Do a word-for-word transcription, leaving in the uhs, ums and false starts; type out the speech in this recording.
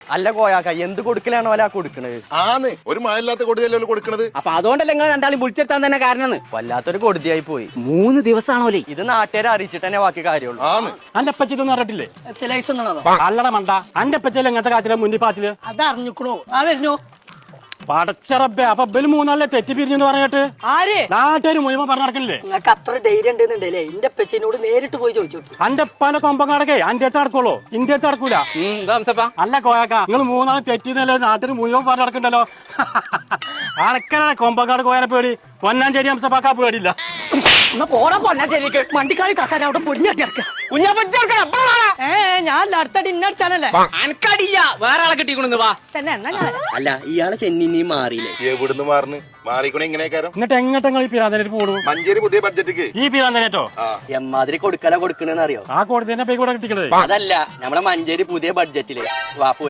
അല്ല കോയാക്ക എന്ത് കൊടുക്കലാണോ അല്ല കൊടുക്കണത്? ആന്ന് ഒരു മഴയില്ലാത്ത കൊടുക്കല്ലോ കൊടുക്കണത്. അപ്പൊ അതുകൊണ്ടല്ലേ നിങ്ങൾ രണ്ടാളും വിളിച്ചെത്താൻ തന്നെ കാരണം. വല്ലാത്തൊരു കൊടുതിയായി പോയി. മൂന്ന് ദിവസമാണോലേ ഇത് നാട്ടുകാരെ അറിയിച്ചിട്ട് തന്നെ ബാക്കി കാര്യമുള്ളൂ. ആന്ന് അന്റെ അപ്പച്ചിതൊന്നും അറിഞ്ഞിട്ടില്ലേ? ലൈസൻസ് അല്ലട മണ്ട അന്റെ അപ്പച്ചല്ലേ ഇങ്ങനത്തെ കാര്യത്തില് മുന്നിൽ പാച്ചില് അതറിഞ്ഞിക്കണോ? ആ വരുന്നോ പടച്ചറബേ. അപ്പൊ ബല് മൂന്നാളെ തെറ്റി പിരിഞ്ഞെന്ന് പറഞ്ഞിട്ട് ആര് നാട്ടുകാര് മുഴുവൻ പറഞ്ഞു നടക്കണില്ലേ? നിങ്ങൾക്ക് അത്ര ധൈര്യം ഉണ്ടെന്നുണ്ടല്ലേ എന്റെ പെച്ചിനോട് നേരിട്ട് പോയി ചോദിച്ചു നോക്കി. അന്റെ ഉപ്പാന്റെ കൊമ്പം കടക്കേ അന്റെ അടുത്ത് നടക്കുള്ളൂ, ഇന്ത്യ അടുത്ത് നടക്കൂല. അല്ല കോയാക്ക നിങ്ങൾ മൂന്നാളെ തെറ്റിന്നല്ലേ നാട്ടിൽ മുഴുവൻ പറഞ്ഞു നടക്കണ്ടല്ലോ. അടക്കലാണ് കൊമ്പങ്കാട് കോയാനെ പേടി, പൊന്നാഞ്ചേരി ഹംസപ്പാക്കാ പേടിയില്ല. പോടാ പൊന്നാച്ചേരിക്ക് വണ്ടിക്കാളി കാക്കാൻ അവിടെ പൊടിഞ്ഞാട്ടി ഏ ഞാൻ അടുത്തടി ഇന്നടിച്ചാനല്ലേ അനക്കടില്ല വേറെ ആളെ കിട്ടിക്കൊണ്ടു വാ തന്നെ എന്നാ ഞാൻ അല്ല ഇയാളെ ചെന്നി മാറിയില്ലേ? എവിടുന്ന് മാറിന് മാറിക്കണേ ഇങ്ങനെയൊക്കെ. എന്നിട്ട് എങ്ങോട്ട് നിങ്ങൾ ഈ പിരാന്തനായിട്ട് പോണു? മഞ്ചേരി പുതിയ ബഡ്ജറ്റ് ഈ പിരാന്തനേറ്റോ എമ്മാതിരി കൊടുക്കല കൊടുക്കണെന്ന് അറിയോ? ആ കോടതി തന്നെ പേ കൂടെ കിട്ടിക്കണത്. അതല്ല നമ്മളെ മഞ്ചേരി പുതിയ ബഡ്ജറ്റില് വാ